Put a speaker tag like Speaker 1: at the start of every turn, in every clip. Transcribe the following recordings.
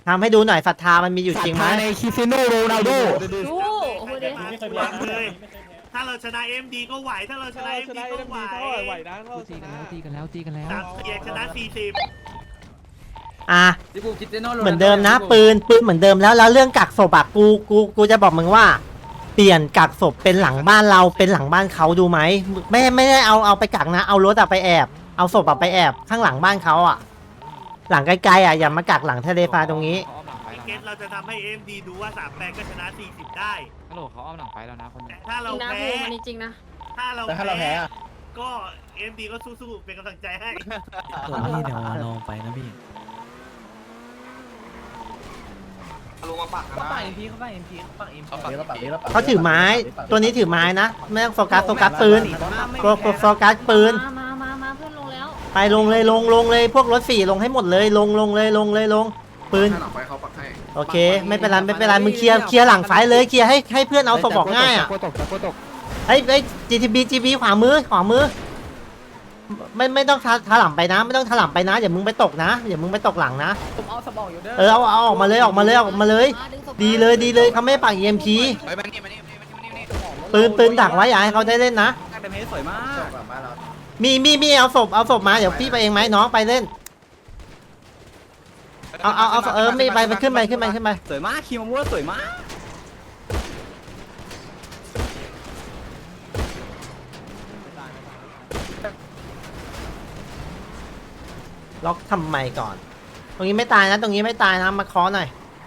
Speaker 1: ทำให้ดูหน่อยศรัทธามันมีอยู่จริงไหม
Speaker 2: ในคริสเตียโนโรนัลโด
Speaker 3: ดูโอ้โหเด็ก
Speaker 4: เลยถ้าเราชนะเอ็มดีก็ไหวถ้าเราชนะเอ็มดีก็ไหว
Speaker 5: นะเราชนะ
Speaker 2: ตีกันแล้ว
Speaker 4: 3 เสียงชนะ40
Speaker 1: อ่ะ
Speaker 5: ที่กูคิดเจโน่
Speaker 1: เหมือนเดิมนะปืนเหมือนเดิมแล้วเรื่องกักศพอะกูจะบอกมึงว่าเปลี่ยนกักศพเป็นหลังบ้านเราเป็นหลังบ้านเขาดูไหมไม่ได้เอาไปกักนะเอารถอะไปแอบเอาศพอะไปแอบข้างหลังบ้านเขาอะหลังไกลๆอะอย่ามากักหลังทะเลฟ้าตรงนี้
Speaker 4: พี่เกตเราจะทำให้เอ็มดีดูว่า38ก็ชนะ40ได้
Speaker 2: ฮัลโหลเขาเอาหนังไปแล้วนะคน
Speaker 4: แต่ถ้า
Speaker 3: จ
Speaker 4: เรา
Speaker 3: ริงนะ
Speaker 4: แพ้
Speaker 3: พูดมันจริงนะ
Speaker 4: ถ้าเราแพ้ก็เอ็มดีก็สู้ๆเป็นกำลังใจให้
Speaker 6: ส่วนนี้เดี๋ยวลองไปนะพี่
Speaker 5: ลงมาปัก
Speaker 6: เขาปักเอ็มพีเขาปักเอ็มพีเขาปักเอ็มพี
Speaker 1: เขาถือไม้ตัวนี้ถือไม้นะไม่ต้องโฟกัสปืนโฟกัสปืน
Speaker 3: มาเพื่อนลงแล้ว
Speaker 1: ไปลงเลยลงเลยพวกรถ4ลงให้หมดเลยลงปืน
Speaker 5: หลังไปเขาปักให้
Speaker 1: โอเคไม่เป็นไรมึงเคลียร์หลังไฟเลยเคลียร์ให้เพื่อนเอาศพออกง่ายอ่ะ
Speaker 2: ตก
Speaker 1: เฮ้ย GTB ขวามือไม่ต้องถลำไปนะไม่ต้องถลำไปนะอย่ามึงไปตกนะอย่ามึงไปตกหลังนะ
Speaker 6: ผมเอาสมองอยู่เด้อ
Speaker 1: เอาออกมาเลยดีเลยเขาไม่ปัก EMP
Speaker 5: เฮ้ยมานี่
Speaker 1: ปืนดักไว้อย่าให้เขาได้เล่นนะ
Speaker 6: แต่เพจสวยมาก
Speaker 1: มีเอาศพมาเดี๋ยวพี่ไปเองไหมน้องไปเล่นเอาไม่ไปขึ้นไป
Speaker 6: สวยมากคีมมัวสวยมาก
Speaker 1: ล็อกทำไมก่อน ตรงนี้ไม่ตายนะมาเคาะหน่อย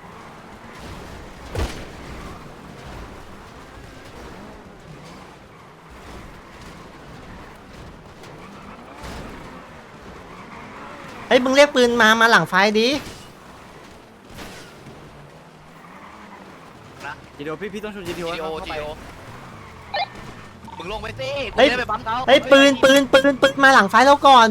Speaker 1: เฮ้ยมึงเรียกปืนมาหลังไฟดิ
Speaker 6: จีดีโอพี่ต้องชมจีดีโอ
Speaker 5: มึงลงไปสิ
Speaker 1: เฮ้ย
Speaker 5: ไปปั๊มเขา
Speaker 1: เฮ้ยปืนมาหลังไฟแล้วก่อน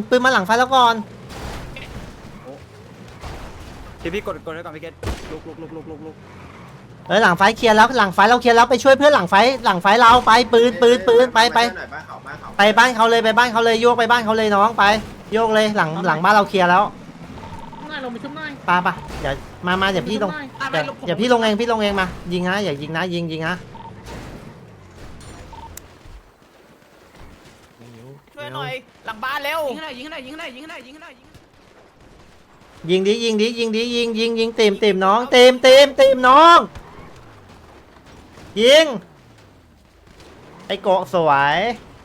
Speaker 6: พี่กดให้ก่อนพี่เกตลุก
Speaker 1: หลังไฟเคลียร์แล้วไปช่วยเพื่อนหลังไฟเราไปปืนไปบ้านเขาเลยโยกไปบ้านเขาเลยน้องไปโยกเลยหลังบ้านเราเคลียร์แล้ว
Speaker 3: ง่ายลงไปชุบหน่อย
Speaker 1: ปะเดี๋ยวมาเดี๋ยวพี่ลงเดี๋ยวพี่ลงเองมายิงนะอย่ายิงนะยิงนะ
Speaker 6: ช่วยหน่อยหลังบ้านเร็วยิงให้หน่อย
Speaker 1: ยิงดิเต็มน้องเต็มน้องยิงไอโกะสวย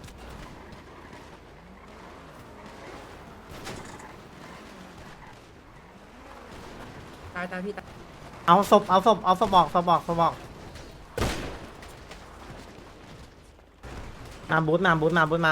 Speaker 1: ตายพี่เอาศพออกมาบูทมา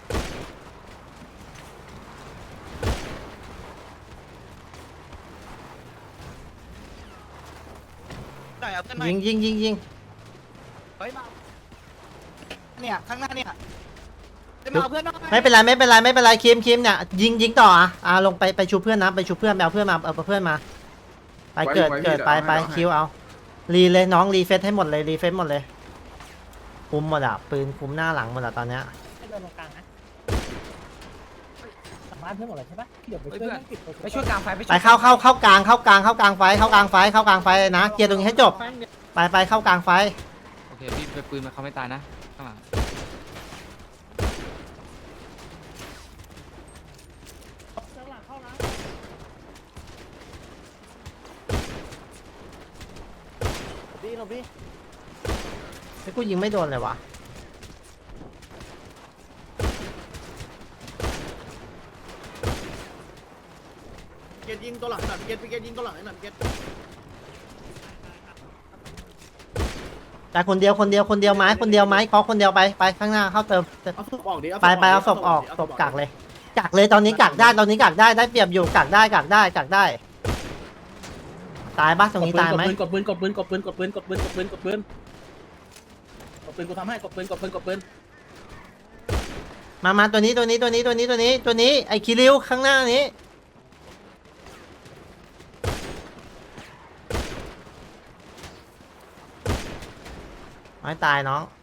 Speaker 1: ยิง
Speaker 5: เฮ้ยมาเนี่ยข้างหน้าเนี่ย
Speaker 1: ไม่เป็นไรคิมเนี่ยยิงต่อลงไปชูเพื่อนนะไปชูเพื่อนเอาเพื่อนมาไปเกิดไปคิวเอารีเลยน้องรีเฟซให้หมดเลยคุมหมดอ่ะปืนคุมหน้าหลังหมดอ่ะตอนเนี้ย
Speaker 6: ไปช่วยกลางไฟ
Speaker 1: ไปเข้ากลางไฟนะเคลียร์ตรงนี้ให้จบไปเข้ากลางไฟ
Speaker 2: โอเคพี่ไปปืนมาเขาไม่ตายนะข้างหลัง
Speaker 1: ไอ้กูยิงไม่โดนเลยวะ
Speaker 4: เกตยิงตัวหลังหน่อยเกตยิงตัวหลังหน่อยเกต
Speaker 1: แต่คนเดียวไม้เคาะคนเดียวไปข้างหน้าเข้าเติม
Speaker 4: เอาศพออกดิ
Speaker 1: ไปเอาศพออกศพกักเลยตอนนี้กักได้ได้เปรียบอยู่กักได้ตายบ้าตรงนี้ตายไหมกดปืนกูทำให้กดปืนมาตัวนี้ไอ้คิริวข้างหน้านี้ไม่ตายน้อง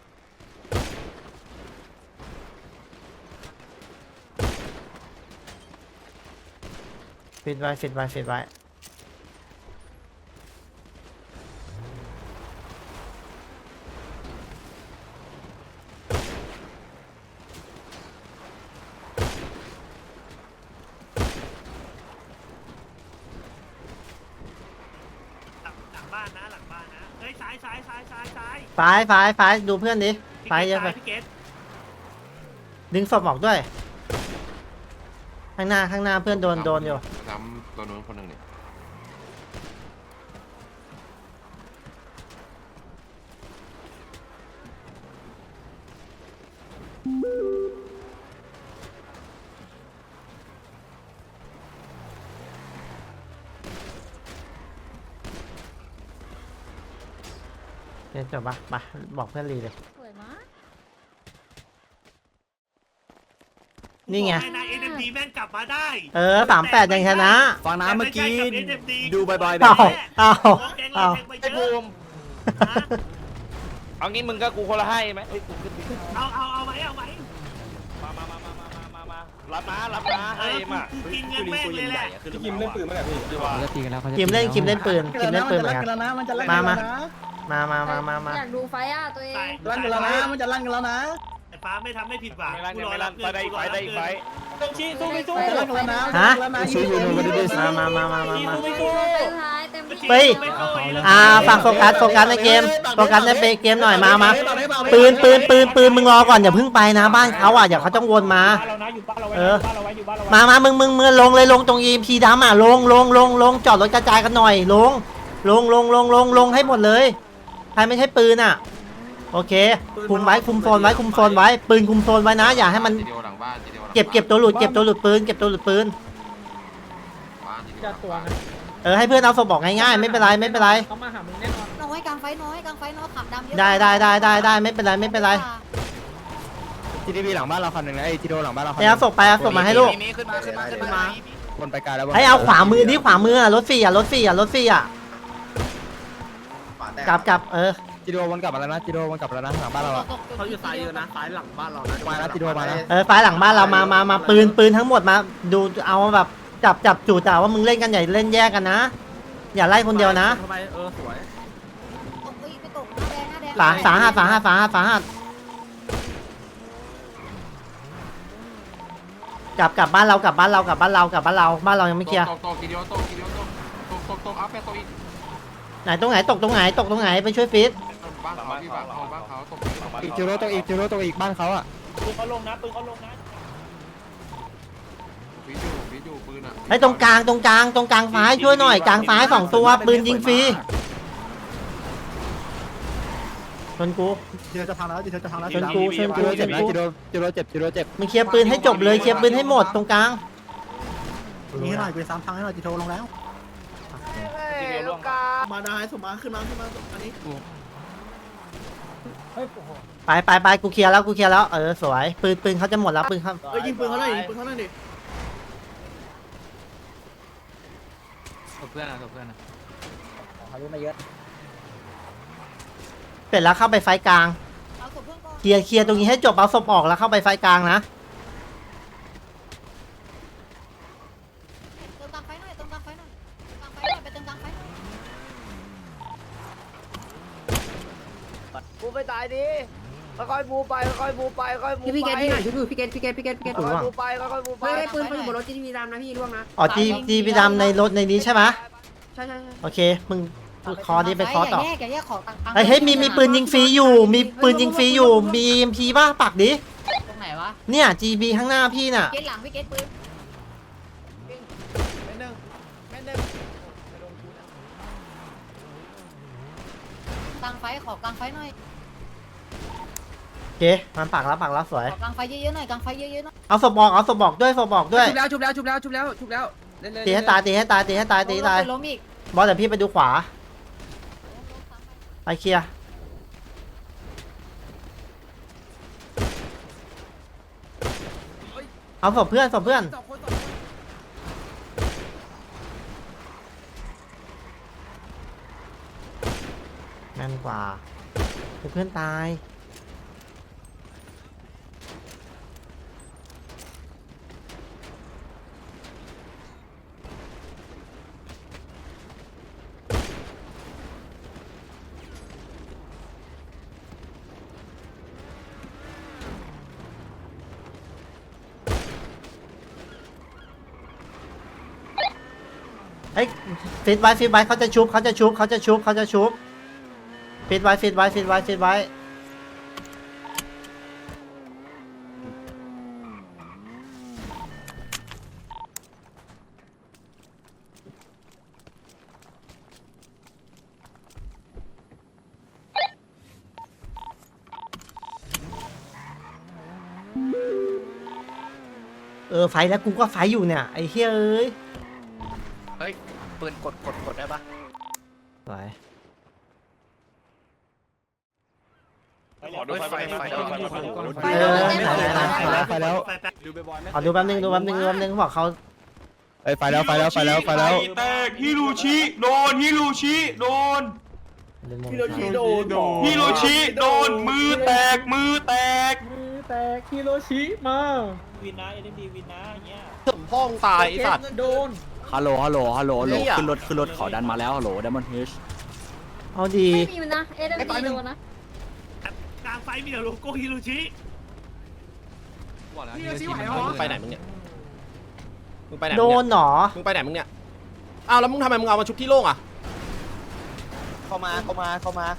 Speaker 1: ฟิตไว้
Speaker 4: บ้านนะหลังบ้านนะเฮ้ยซ้ายซ้ายซ้ายซ้ายซ้าย
Speaker 1: ฝ่ายดูเพื่อนดิฝ่ายเยอะไป
Speaker 4: พี่เกต
Speaker 1: ดึงศพออกด้วย ข้างหน้าเพื่อนโดนอยู่
Speaker 7: ซ้ำตัวนู้นคนหนึ่งเนี่ย
Speaker 1: เดี๋ยวจบปะไปบอกเพื่อนรีเลย
Speaker 3: สวยมาก
Speaker 1: นี่ไง
Speaker 4: นายเอ็มดีแม่งกลับมาได้
Speaker 1: 38ยังชนะ
Speaker 6: ฟังน้ำเมื่อกี้ดูบ่อยๆแบ
Speaker 1: เอา
Speaker 6: บนี้
Speaker 1: เอา
Speaker 4: แกง
Speaker 1: เอา
Speaker 4: แกงไปเย
Speaker 5: ไอ้บู
Speaker 4: อะ
Speaker 5: มเอางี้มึงกับกูคนละให้ไหมเอ้ยกูขึ้นดิ
Speaker 4: เอาไหมเอาไหม
Speaker 5: มารับมาให้มา
Speaker 4: กูกินเงินแม่งเลยแหละ
Speaker 5: พี่กิมเล่นปืนมาแบบนี้
Speaker 2: เขาจะตีกันแล้วเขาจะ
Speaker 1: คิมเล่นปืนคิมเล่นปืนเหมือนกัน
Speaker 6: มันจะลั่น
Speaker 1: มา
Speaker 6: กันแล้วนะ
Speaker 1: มา
Speaker 3: อยากดูไฟอ่ะตัวเอง
Speaker 6: ลั่นกันแล้วนะมันจะลั่นกันแล้วนะ
Speaker 4: ไอ้ฟ้าไม่ทำไม่ผิดหวัง
Speaker 5: ไม่
Speaker 4: กูรอ
Speaker 5: รั
Speaker 4: รั
Speaker 5: บบ
Speaker 4: เงินกูรอรับเงิน
Speaker 5: ต้องชี้สู้ไม่สู้
Speaker 6: จะลั่นกันแล้วนะ
Speaker 1: ฮะ
Speaker 6: ชี้อยู่นู่นก็ได้
Speaker 1: มา
Speaker 5: ไม่สู้
Speaker 3: เต็มท้ายเต็มที่
Speaker 1: เฮ้ย ฝากโฟกัสในเกมโฟกัสในเกมหน่อยมาปืนมึงรอก่อนอย่าเพิ่งไปนะบ้านเขาอ่ะอย่าเขาต้องวนมา
Speaker 5: เรานะอยู่บ้านเราไว้
Speaker 1: เออ
Speaker 5: บ้านเราไว้อยู่บ้านเราไว้
Speaker 1: มามึงลงเลยลงตรง EMP ดำอ่ะลงจอดรถกระจายกันหน่อยลงให้หมดเลยใครไม่ใช่ปืนอ่ะโอเคคุมโซนไว้ปืนคุมโซนไว้นะอย่าให้มัน
Speaker 7: จีเดียวหลังบ้านจีเดียวหลัง
Speaker 1: เก็บตัวหลุดปืน
Speaker 7: บ้านจีเดียวหลังบ้าน
Speaker 1: ให้เพื่อนเอาศพบอกง่ายๆไม่เป็นไร
Speaker 3: เขามาหามึงแน่นอน
Speaker 8: น้อยกลางไฟน้อยขับดำเยอะ
Speaker 1: ได้ไม่เป็นไร
Speaker 6: ทีดีพีหลังบ้านเราคันหนึ่งนะไอ้ทีโดหลังบ้านเราคัน
Speaker 1: เอาศพมาให้ลูก
Speaker 6: ขึ้นมาคนไปไกลแล้ว
Speaker 1: ให้เอาขวามือนี่ขวามือรถฟรีอ่ะกลับ
Speaker 6: ทีโดวนกลับมาแล้วนะทีโดวนกลับมาแล้วนะหลังบ้านเราอะ
Speaker 5: เขาอยู่ซ้ายเยอะนะซ้ายหลังบ้านเรานะ
Speaker 6: มาแล้วทีโดมาแล้ว
Speaker 1: ไฟหลังบ้านเรามาปืนทั้งหมดมาดูเอาแบบจับจู่แต่ว่ามึงเล่นกันใหญ่เล่นแยกกันนะอย่าไล่คนเดียวนะ
Speaker 5: ทำไมสวย
Speaker 8: ตกไปตกหน้าแดง
Speaker 1: สาหัสกลับบ้านเราบ้านเรายังไม่เคลียร์
Speaker 7: ตกจีเดียวตกอัพไปตกอีก
Speaker 1: ตรงไหนตกตรงไหนไปช่วยฟิต
Speaker 7: บ้านเขาพี่บ้านเขาตก
Speaker 6: อีกทีโดตัวอีกบ้านเขาอะ
Speaker 5: ปืนเขาลงนะ
Speaker 7: วิจูปืนอ่ะ
Speaker 1: ไอ้ตรงกลางซ้ายช่วยหน่อยกลางซ้าย2ตัวปืนยิงฟรีชนกู
Speaker 6: ทีโดจะพังแล้วทีโดจะพังแล้ว
Speaker 1: ชนกูชนกู
Speaker 6: เจ็บนะทีโดเจ็บ
Speaker 1: มึงเคลียร์ปืนให้จบเลยเคลียร์ปืนให้หมดตรงกลาง
Speaker 6: นี่ให้หน่อยปืนซ้ำพังให้หน่อยทีโดลงแล้ว
Speaker 5: มาได้สมมาขึ้นมาอันนี้
Speaker 1: ไปกูเคลียร์แล้วสวยปืนเขาจะหมดแล้วปืนเขา
Speaker 5: ยิงปืนเขาหน่อยดิ
Speaker 2: เพื่อนนะเพื่อนนะ
Speaker 6: เขาเยอะมาเยอะ
Speaker 1: เสร็จแล้วเข้าไปไฟกลาง
Speaker 8: เอาศพเพื่อนก่อน
Speaker 1: เคลียร์ตรงนี้ให้จบเอาศพออกแล้วเข้าไปไฟกลางนะ
Speaker 8: เติมกลางไฟหน่อยไปเติมกลางไฟหน่อย
Speaker 6: บูไปตายดิค่อยๆบูไปค่อยๆบูไปค่อยๆบูไป
Speaker 9: พี่เกตที่ไหนช่วยดูพี่เกต
Speaker 6: ค่อยๆบูไปค่อยๆบูไป
Speaker 9: เฮ้ยปืนอยู่บนรถจีทีวีดำนะพี่ร่วงนะ
Speaker 1: อ๋อจีพีดำในรถในนี้ใช่ไหม
Speaker 9: ใช่
Speaker 1: โอเคมึงคอดีไปคอต่อ
Speaker 8: อย่าแยกของต่าง
Speaker 1: เฮ้ยมีปืนยิงฟรีอยู่มี EMP ป่ะปักดิ
Speaker 8: ตรงไหนวะ
Speaker 1: เนี่ย GB ข้างหน้าพี่น่ะ
Speaker 8: เกตหลังพี่เกตปืนกลางไฟขอกลางไฟหน่อย
Speaker 1: โอเคมันปักแล้วสวย
Speaker 8: ขอกลางไฟเยอะๆหน่อยกลางไฟเยอะๆหน่อย
Speaker 1: เอาศพบอกด้วยชุบแล้วตีให้ตายตีให้ตาย
Speaker 8: ล้มอีก
Speaker 1: บอสเดี๋ยวพี่ไปดูขวาไปเคลียร์เอาศพเพื่อนแม่นกว่าเพื่อนตายฮ้ยฟิตไว้เขาจะชุบฟิตไว้ ไฟแล้วกูก็ไฟอยู่เนี่ยไอ้เฮ้ยเอ้ย
Speaker 5: เฮ้ยปืนกดได้ปะ
Speaker 1: ไฟ
Speaker 5: ขอดูไฟ
Speaker 6: ไปแล้ว
Speaker 1: ขอดูแป๊บนึงบอกเขา
Speaker 6: ไปแล้ว
Speaker 7: แตกฮิโรชิโดนฮิโรชิโดนฮิโรชิโดนมือแตกฮิโรชิมาวินนะเอ็นดีวินนะเงี้ยถึงห้องตายไอ้สัตว์โดน
Speaker 6: ฮัลโหลขึ้นรถขอดันมาแล้วฮัลโหลดัมมอนเฮช
Speaker 1: เอาดี
Speaker 3: ไม่มีมันนะเอ็มดีโดนนะ
Speaker 4: กลางไฟมีแต่โลโก้ฮิโรชิ
Speaker 2: บอกแล้ว
Speaker 10: มึงไปไหนมึงเนี่ยมึงไปไหน
Speaker 1: โดนหนอ
Speaker 10: มึงไปไหนมึงเนี่ยอ้าวแล้วมึงทำไมมึงเอามาชุบที่โล่งอ่ะ
Speaker 6: เข้ามาแล้วเขามา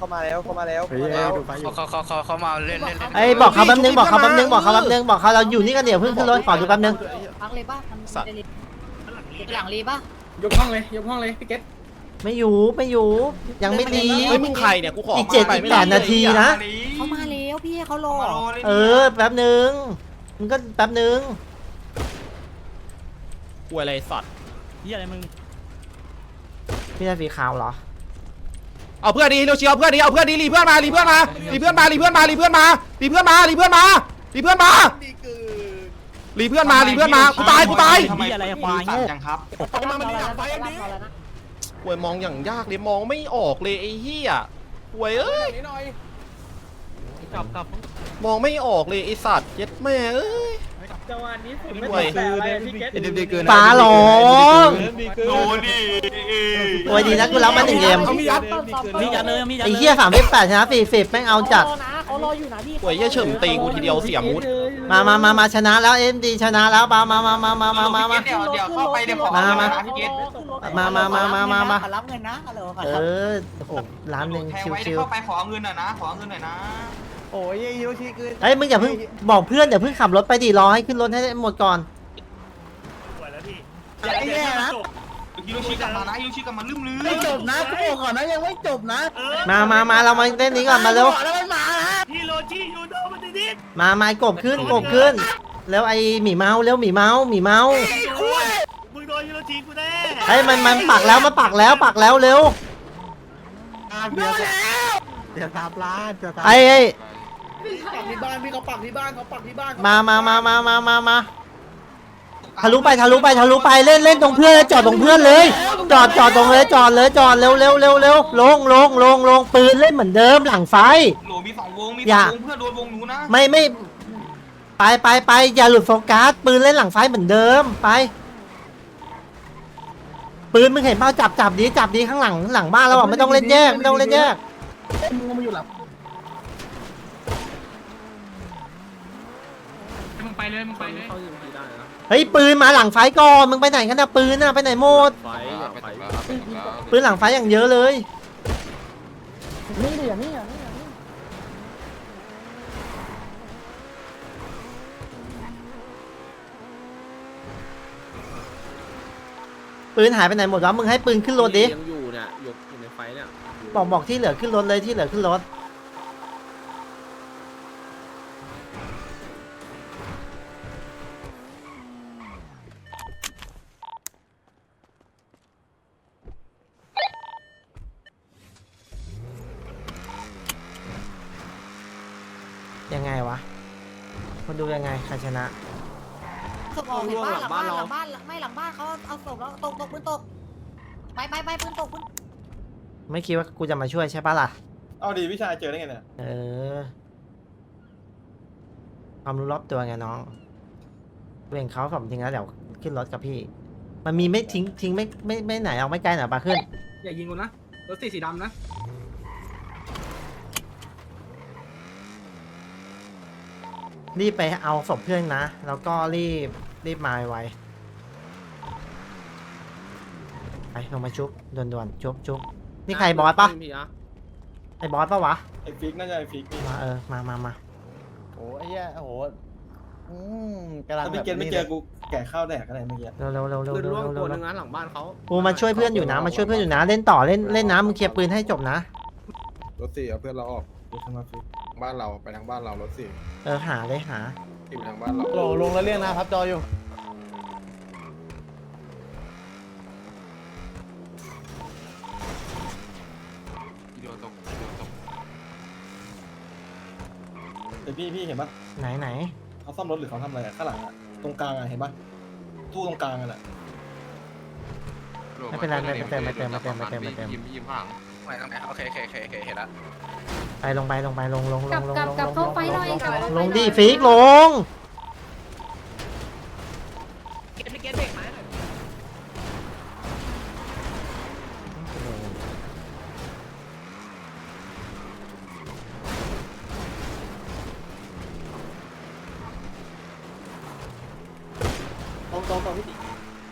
Speaker 6: เล่น
Speaker 1: ไอ้บอกเขาแป๊บนึงบอกเขาเราอยู่นี่กันเดี๋ยวเพิ่งขึ้นรถขอดูแป๊บนึง
Speaker 8: พักเลยป่ะมันจะรีหลังรีป่ะ
Speaker 3: ยกห้องเลยพี่เกต
Speaker 1: ไม่อยู่ยังไม่ดี
Speaker 10: เฮ้ยมึงใครเนี่ยกูขอ
Speaker 1: อีก8 นาทีนะ
Speaker 8: เขามาแล้วพี่เขารอ
Speaker 1: แป๊บนึงมึงก็แป๊บนึง
Speaker 10: กูอะไรสัตว์
Speaker 1: พี่ได้สีขาวเหรอ
Speaker 10: เอาเพื่อนดีฮิโรชิเอาเพื่อนดีรีเพื่อนมากูตาย
Speaker 6: ทำไมอะไรควายโง่
Speaker 10: หวยมองอย่างยากเลยมองไม่ออกเลยไอ้เหี้ยหวยเอ้ยมองไม่ออกเลยไอ้สัตว์เย็ดแม่เอ้ย
Speaker 3: จังหวะนี้ผมไม่
Speaker 10: หวย
Speaker 3: แต่อะไรพี่เกต
Speaker 1: ฟ้าร้อง
Speaker 7: โดนดิ
Speaker 1: โอ้ยดีนะกูรับมา1 เกม
Speaker 8: มียัดเลย
Speaker 1: ไอ้เหี้ย38ชนะ40แม่งเอาจัด
Speaker 8: เขารออยู่นะพี่
Speaker 10: หวยเหี้ยเฉิมตีกูทีเดียวเสียมูด
Speaker 1: มาชนะแล้วMDชนะแล้วมา
Speaker 5: เดี๋ยวเข้าไปเดี๋ยวขอ
Speaker 1: มา
Speaker 5: พี่เกต
Speaker 1: มา
Speaker 8: รับเงินนะฮัลโหล
Speaker 1: โอ้โหล้านหนึ่ง
Speaker 5: แทงไว้
Speaker 1: ชิว
Speaker 5: เข้าไปขอเงินหน่อยนะ
Speaker 6: โอ้ยฮิโรชิคือ
Speaker 1: ๆเฮ้ยมึงอย่าเพิ่งบอกเพื่อนอย่าเพิ่งขับรถไปดิรอให้ขึ้นรถให้หมดก่อน
Speaker 4: สวยแล้วพี่
Speaker 6: แย่นะ
Speaker 5: ฮิโรชิกลับมานะฮิโรชิกลับมาลืม
Speaker 6: ไม่จบนะกูบอกก่อนนะยังไม่จบนะ
Speaker 1: มาเรามาเล่นนี้ก่อนมาเร็ว
Speaker 6: แล้วมันมานะ
Speaker 4: ฮิโรชิยูโดมันดิด
Speaker 1: มาไม้กบขึ้นแล้วไอ้หมีเมาหมีเมา
Speaker 4: มึงโดนฮิโรชิกูแน่
Speaker 1: เฮ้ยมันปักแล้วเร็ว
Speaker 6: เดี๋ยวตามร้านจะตาม
Speaker 1: ไอ้
Speaker 6: ปักที่บ้านพี่เขาปักที่บ้าน
Speaker 1: มาทะลุไปเล่นตรงเพื่อนจอดตรงเพื่อนเลยจอดตรงเลยจอดเร็วลงปืนเล่นเหมือนเดิมหลังไฟ
Speaker 5: โหลมี2 วงเพื่อนโดนวงหนูนะ
Speaker 1: ไม่ไปอย่าหลุดโฟกัสปืนเล่นหลังไฟเหมือนเดิมไปปืนมึงเห็นเปล่าจับดีข้างหลังบ้านเราไม่ต้องเล่นแยก
Speaker 6: มึงมาอยู่หลับ
Speaker 2: มึงไปเลย
Speaker 1: เฮ้ยปืนมาหลังไฟก่อนมึงไปไหนกันนะปืนน่ะไปไหนหมดปืนหลังไฟอย่างเยอะเลยปืนหายไปไหนหมดวะมึงให้ปืนขึ้นรถดิ
Speaker 6: ยังอยู่เนี่ยอยู่ในไฟเนี่ย
Speaker 1: บอกที่เหลือขึ้นรถเลยที่เหลือขึ้นรถยังไงวะมาดูยังไงใครชนะ
Speaker 8: ศพออกเห็นบ้านหลังบ้านไม่หลังบ้านเขาเอาศพแล้วตกปืนตกไปปืนตก
Speaker 1: ไม่คิดว่ากูจะมาช่วยใช่ปะล่ะ
Speaker 6: เอาดีพี่ชายเจอได้ไงเนี่ย
Speaker 1: ความรู้รอบตัวไงน้องเวงเขาผมทิ้งแล้วเดี๋ยวขึ้นรถกับพี่ มันมีไม่ทิ้งไม่ไหนเอาไม่ไกลหน่อยปะขึ้น
Speaker 3: อย่ายิงกูนะรถสีดำนะ
Speaker 1: รีบไปเอาศพเพื่อนนะ แล้วก็รีบมาไวไปลงมาชุบด่วนๆชุบนี่ใครบอสปะไอ้บอสปะวะ
Speaker 6: ไอ้ฟิกน่าจะไอ้ฟิก
Speaker 1: มามา
Speaker 6: โอ้ไอ้เหี้ยโอ้โหกำลังแบบไม่เจอกูแก่ข้าวแดกอะไรเมื่อกี้
Speaker 1: เร็ว
Speaker 3: ปืนร่วงตัวนึงนะหลังบ้านเขา
Speaker 1: กูมาช่วยเพื่อนอยู่นะเล่นต่อเล่นน้ำมึงเคลียร์ปืนให้จบนะ
Speaker 5: รถสี่เอาเพื่อนเราออกบ้านเราไปทางบ้านเรารถสี่
Speaker 1: หาเลยหา
Speaker 5: ที่ไปทางบ้านเรา
Speaker 6: ลงแล้วเรียกนะครับจออยู่
Speaker 7: เดี๋ยวตกเดี๋ยวตก
Speaker 6: แต่พี่เห็นปะ
Speaker 1: ไหน
Speaker 6: เขาซ่อมรถหรือเขาทำอะไรข้างหลังอะตรงกลางอะเห็นปะตู้ตรงกลางอะแหละ
Speaker 1: ไม่เป็นไรไม่เต็ม
Speaker 7: ยิ้มห่าง
Speaker 5: ไม่ต้องไหนโอเคเห็นละ
Speaker 1: ไปลงลง
Speaker 8: กลับเข้าไปหน่อยกลับเข้าไปหน่อย
Speaker 1: ลงดิฟิกลง
Speaker 6: ตรงพี่ติ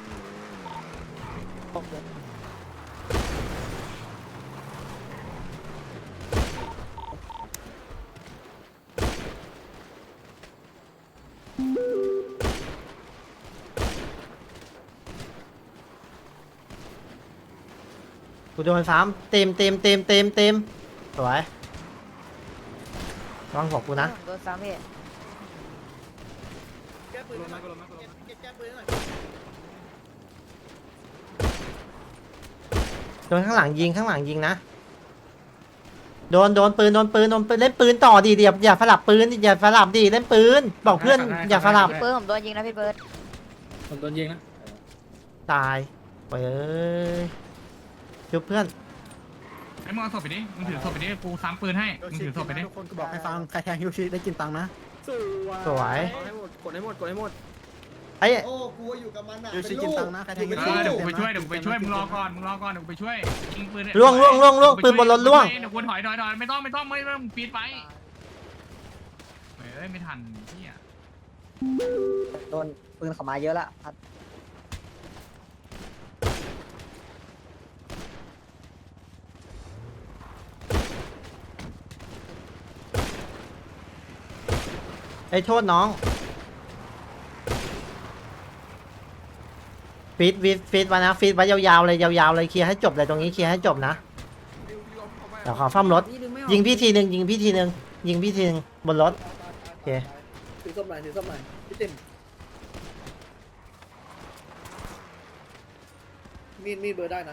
Speaker 1: กูโดนซ้ำเต็มสวยระวังหัวกูนะ
Speaker 8: โดนซ้ำพี่
Speaker 1: โดนข้างหลังยิงนะโดนปืนเล่นปืนต่อดิอย่าสลับปืนอย่าสลับดิเล่นปืนบอกเพื่อนอย่าสลับ
Speaker 8: พี่เบิร์ดผมโดนยิงนะพี่เบิร์ด
Speaker 3: ผมโดนยิงนะ
Speaker 1: ตายไปชุบเพื่อน
Speaker 2: ไอ้มึงเอาศพไปดิมึงถือศพไปดิกูซ้ำปืนให้มึงถือศพไปดิ
Speaker 6: ทุกคนก็บอกให้ฟังใครแทงฮิวชิได้กินตังค์นะ
Speaker 1: สวย
Speaker 3: กดให้หมด
Speaker 1: ไอ้
Speaker 6: โอ้กูอยู่กับมันอะฮิวชิกินตังค์นะใครแทงฮิวชิ
Speaker 2: เดี๋ยวกูไปช่วยเดี๋ยวกูไปช่วยมึงรอก่อนเดี๋ยวกูไปช่วยยิงปืน
Speaker 1: ล่วงปืนบนรถล่วง
Speaker 2: เดี๋ยวกูถอยไม่ต้องไม่ปีดไปเฮ้ยไม่ทันพี่อ่ะ
Speaker 8: โดนปืนเขามาเยอะละ
Speaker 1: ไอ้โทษน้องฟีดไว้นะฟีดไว้ยาวๆเลยเคลียร์ให้จบเลยตรงนี้เคลียร์ให้จบนะเดี๋ยวขอซ่อมรถยิงพี่ทีหนึ่งบนรถโอเค
Speaker 3: ถือส้มหน่อยพี่เต็มมีดเบอร์ได้นะ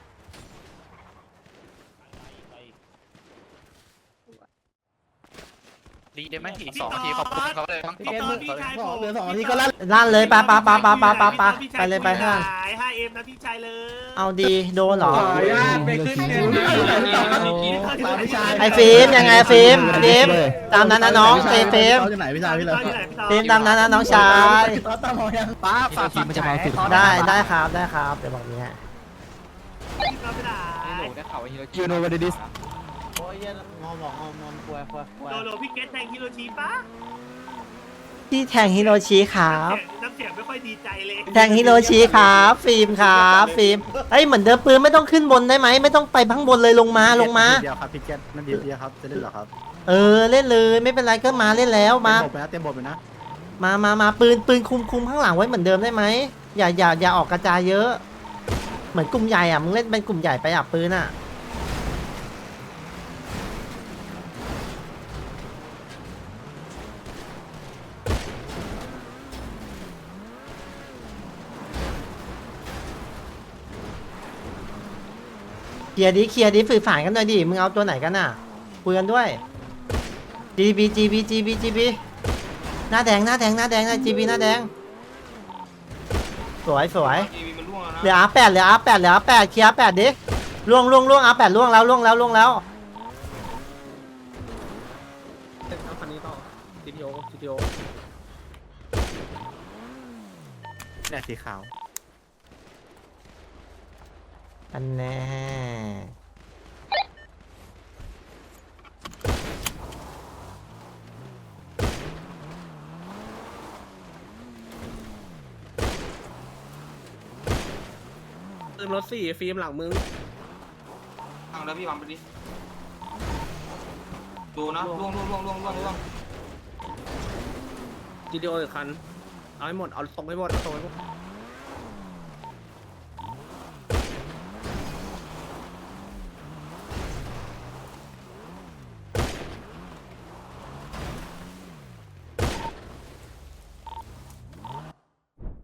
Speaker 5: ดีได้ไหมอีก2 นาทีขอบคุณเขาเลย
Speaker 4: พี่ตอนพี่ชายผม
Speaker 6: เหลือ2 นาทีก็ลั่น
Speaker 1: ลั่นเลยไปเลยไปข้าง
Speaker 4: 5M นะพี่ชายเลย
Speaker 1: เอาดีโดนเหรอ
Speaker 3: ไปขึ้นเงิน
Speaker 1: ไอ้ฟิล์มยังไงฟิล์มตามนั้นนะน้องฟิล์ม
Speaker 6: อยู่ไหนพี่ชายพี่เลย
Speaker 1: ฟิล์มตามนั้นนะน้องชาย
Speaker 6: ตามองยังป้าฝากทีมมันจะมาสุด
Speaker 1: ได้ครับเดี๋ยวบอกนี้ฮะ
Speaker 4: เราไปไหน
Speaker 5: ได้ข่าวว่าฮิโรชิ
Speaker 6: ยูโนวันดิส
Speaker 1: โอ้ยงอมกลัว
Speaker 4: โดพี่เกตแทงฮิโรชิปะ
Speaker 1: ที่แทงฮิโรชิครับ
Speaker 4: น้ำเสียงไม่ค่อยดีใจเลย
Speaker 1: แทงฮิโรชิครับฟิล์มครับฟิล์มเอ้ยเหมือนเดิมปืนไม่ต้องขึ้นบนได้ไหมไม่ต้องไปข้างบนเลยลงมา
Speaker 6: เดียวครับพี่แกนั่นเดียวครับจะเล่นหรอครับ
Speaker 1: เล่นเลยไม่เป็นไรก็มาเล่นแล้วมา
Speaker 6: เตรียมบทไปนะ
Speaker 1: มาปืนคุมข้างหลังไว้เหมือนเดิมได้ไหมอย่าออกกระจายเยอะ เหมือนกลุ่มใหญ่อ่ะมึงเล่นเป็นกลุ่มใหญ่ไปอ่ะปืนอ่ะเคลียร์ดิสื่อสารกันหน่อยดิมึงเอาตัวไหนกันน่ะคุยกันด้วย GB หน้าแดงนะ GB หน้าแดงสวย
Speaker 7: ทีวีมันร่วงแล้วนะ
Speaker 1: เหลือ R8 เคลียร์ R8 ดิล่วง R8 ล่วงแล้ว
Speaker 3: คันนี้ต่อ CTO
Speaker 6: เนี่ยสีขาว
Speaker 1: อันแน่
Speaker 3: ขึ้นรถสี่ฟิล์มหลังมึง
Speaker 7: ฟังแล้วพี่วางไปดิดูนะล่วง
Speaker 3: GTO อีกคันเอาให้หมดเอาตรงให้หมดเอาตรงให้หมด